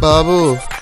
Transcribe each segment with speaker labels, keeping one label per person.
Speaker 1: ബാബു,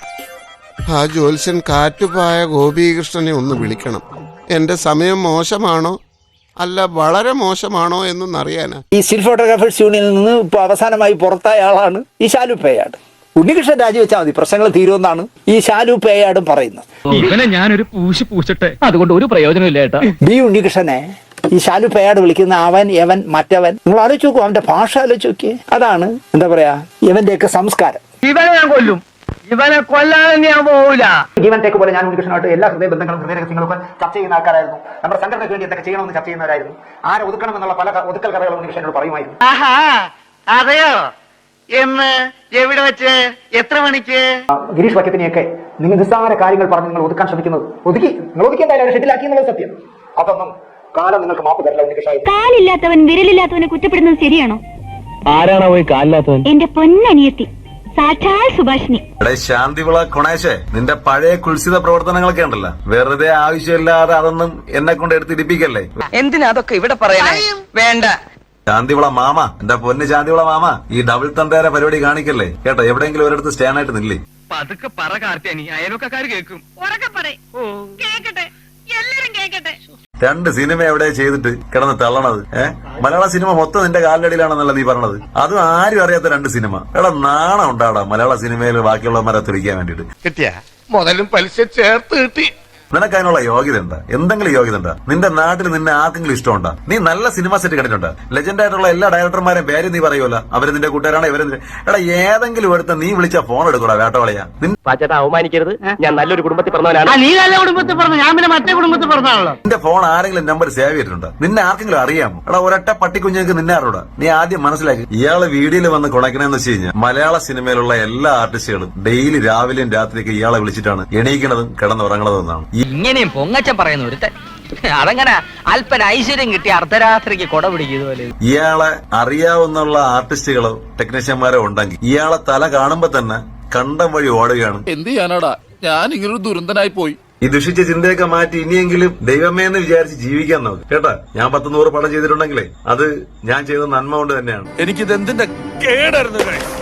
Speaker 1: ആ ജ്യോത്സ്യൻ കാറ്റുപായ ഗോപീകൃഷ്ണനെ ഒന്ന് വിളിക്കണം. എന്റെ സമയം മോശമാണോ അല്ല വളരെ മോശമാണോ എന്നൊന്നറിയാനാ.
Speaker 2: ഈ സ്റ്റിൽ ഫോട്ടോഗ്രാഫേഴ്സ് യൂണിയനിൽ നിന്ന് ഇപ്പോൾ അവസാനമായി പുറത്തായ ആളാണ് ഈ ശാലു പേയാട്. ഉണ്ണികൃഷ്ണൻ രാജിവെച്ചാൽ മതി, പ്രശ്നങ്ങൾ തീരുമെന്നാണ് ഈ ശാലു പേയാടും പറയുന്നത്.
Speaker 3: ഇവനെ ഞാനൊരു പൂച്ചിട്ടെ അതുകൊണ്ട് ഒരു പ്രയോജനമില്ല ഏട്ടാ.
Speaker 2: ബി ഉണ്ണികൃഷ്ണനെ ഈ ശാലു പേയാട് വിളിക്കുന്ന അവൻ യവൻ മറ്റവൻ, നിങ്ങൾ ആലോചിച്ച് നോക്കൂ, അവന്റെ ഭാഷ ആലോചിച്ച് നോക്കിയേ. അതാണ് എന്താ പറയാ ഇവന്റെയൊക്കെ സംസ്കാരം.
Speaker 3: ഇവനെ ഞാൻ കൊല്ലും, ഇവനെ കൊല്ലാതെ ഞാൻ പോവില്ല.
Speaker 2: ജീവൻ ടേക്ക് പോലെ ഞാൻ ഉണ്ണികൃഷ്ണനായിട്ട് എല്ലാ ഹൃദയ ബന്ധങ്ങളും ഹൃദയ രഹസ്യങ്ങളൊക്കെ ചർച്ച ചെയ്യുന്ന ആൾക്കാരായിരുന്നു. നമ്മുടെ സംഘടനയ്ക്ക് വേണ്ടി എന്തൊക്കെ ചെയ്യണമെന്ന് ചർച്ച ചെയ്യുന്നവരായിരുന്നു. ആരെ ഒതുക്കണം എന്നുള്ള പല ഒതുക്കൽ കഥകളും ഉണ്ണികൃഷ്ണനോട് പറയുമായിരുന്നു.
Speaker 4: അതെയോ? എന്ന് എവിടെ വെച്ച് എത്ര മണിക്ക്?
Speaker 2: ഗിരീഷ് വക്കത്തിനെയൊക്കെ നിങ്ങൾ നിസ്സാര കാര്യങ്ങൾ പറഞ്ഞ് നിങ്ങൾ ഒതുക്കാൻ ശ്രമിക്കുന്നത് നിങ്ങൾ ഒതുക്കിയെന്തായാലും ഷെഡിലാക്കി എന്നുള്ളത് സത്യം. അതൊന്നും കാലം നിങ്ങൾക്ക് മാപ്പ് തരില്ല ഉണ്ണികൃഷ്ണ.
Speaker 5: കാലില്ലാത്തവൻ വിരലില്ലാത്തവനെ കുറ്റപ്പെടുന്നത് ശരിയാണോ?
Speaker 3: ആരാണോ പോയി കാലില്ലാത്തവൻ?
Speaker 5: എന്റെ പൊന്നനിയത്തി സാക്ഷാൽ സുഭാഷിണി.
Speaker 6: ശാന്തിവിള കൊണേശേ, നിന്റെ പഴയ കുൽസിത പ്രവർത്തനങ്ങളൊക്കെ ഉണ്ടല്ലോ, വെറുതെ ആവശ്യമില്ലാതെ അതൊന്നും എന്നെ കൊണ്ട് എടുത്തിരിപ്പിക്കല്ലേ.
Speaker 4: എന്തിനാ അതൊക്കെ ഇവിടെ പറയാ? വേണ്ട.
Speaker 6: ശാന്തിവിള മാമ, എന്റെ പൊന്ന് ശാന്തിവിള മാമ, ഈ ഡബിൾ തന്തേര പരിപാടി കാണിക്കല്ലേ കേട്ടോ. എവിടെയെങ്കിലും ഒരിടത്ത് സ്റ്റാൻഡ് ആയിട്ട് നില്ലേ.
Speaker 3: പതുക്കെ പറ കാർത്തിയാനി, അയൽവക്കാര് കേൾക്കും.
Speaker 5: കേക്കട്ടെ, എല്ലാരും കേക്കട്ടെ.
Speaker 6: 2 സിനിമ എവിടെ ചെയ്തിട്ട് കിടന്ന് തള്ളണത്? മലയാള സിനിമ മൊത്തം നിന്റെ കാലിലടിയിലാണെന്നല്ല നീ പറഞ്ഞത്. അതും ആരും അറിയാത്ത 2 സിനിമ. എടാ നാണം ഉണ്ടാടാ മലയാള സിനിമയിൽ ബാക്കിയുള്ളവന്മാരെ തുടിക്കാൻ വേണ്ടിട്ട്.
Speaker 1: കിട്ടിയ മുതലും പലിശ ചേർത്ത് കിട്ടി.
Speaker 6: നിനക്ക് അതിനുള്ള യോഗ്യത ഉണ്ടാ? എന്തെങ്കിലും യോഗ്യത ഉണ്ടാ? നിന്റെ നാട്ടിൽ നിന്നെ ആർക്കെങ്കിലും ഇഷ്ടമുണ്ടാ? നീ നല്ല സിനിമ സെറ്റ് കണ്ടിട്ടുണ്ടാ? ലെജൻഡ് ആയിട്ടുള്ള എല്ലാ ഡയറക്ടർമാരെയും പേര് നീ പറയുമല്ലോ, അവര് നിന്റെ കൂട്ടുകാരാണ് ഇവര്. എടാ ഏതെങ്കിലും എടുത്ത നീ വിളിച്ച ഫോൺ എടുക്കൂടാ വേട്ടവളയാ.
Speaker 3: പാച്ചേട്ടാ അവമാനിക്കരുത്, ഞാൻ നല്ലൊരു കുടുംബത്തിൽ പറഞ്ഞവനാണ്.
Speaker 4: നീ നല്ല കുടുംബത്തിൽ പറഞ്ഞു, ഞാൻ പിന്നെ മറ്റേ കുടുംബത്തിൽ പറഞ്ഞാണല്ലോ.
Speaker 6: നിന്റെ ഫോൺ ആരെങ്കിലും നമ്പർ സേവ് ചെയ്തിട്ടുണ്ടോ? നിന്നെ ആർക്കെങ്കിലും അറിയാമോ? എടാ ഒരൊറ്റ പട്ടിക്കുഞ്ഞുങ്ങൾക്ക് നിന്നെ അറിയൂടാ. നീ ആദ്യം മനസ്സിലാക്കി. ഇയാള് വീഡിയോയിൽ വന്ന് കുണക്കണെന്ന് വെച്ച് കഴിഞ്ഞാൽ മലയാള സിനിമയിലുള്ള എല്ലാ ആർട്ടിസ്റ്റുകളും ഡെയിലി രാവിലെയും രാത്രിയൊക്കെ ഇയാളെ വിളിച്ചിട്ടാണ് എണീക്കണതും കിടന്നുറങ്ങണതും എന്നാണ്.
Speaker 4: ഇങ്ങനെയും പൊങ്ങച്ചം പറയുന്ന ഒരുത്തൻ അതങ്ങനെ അല്പന ഐശ്വര്യം കിട്ടി അർദ്ധരാത്രിക്ക് കൊട പിടിക്കുന്നതുപോലെ.
Speaker 6: ഇയാളെ അറിയാവുന്ന ആർട്ടിസ്റ്റുകളോ ടെക്നീഷ്യന്മാരോ ഉണ്ടെങ്കിൽ ഇയാളെ തല കാണുമ്പോ തന്നെ കണ്ടം വഴി ഓടുകയാണ്.
Speaker 7: എന്ത് ചെയ്യാനാടാ, ഞാൻ ഇങ്ങനൊരു ദുരന്തനായി പോയി.
Speaker 6: ഈ ദുഷിച്ച ചിന്തയൊക്കെ മാറ്റി ഇനിയെങ്കിലും ദൈവമേ എന്ന് വിചാരിച്ച് ജീവിക്കാൻ നോക്ക് കേട്ടാ. ഞാൻ 10-100 പടം ചെയ്തിട്ടുണ്ടെങ്കിലേ അത് ഞാൻ ചെയ്ത നന്മ കൊണ്ട് തന്നെയാണ്.
Speaker 7: എനിക്കിത് എന്തിന്റെ കേടായിരുന്നു.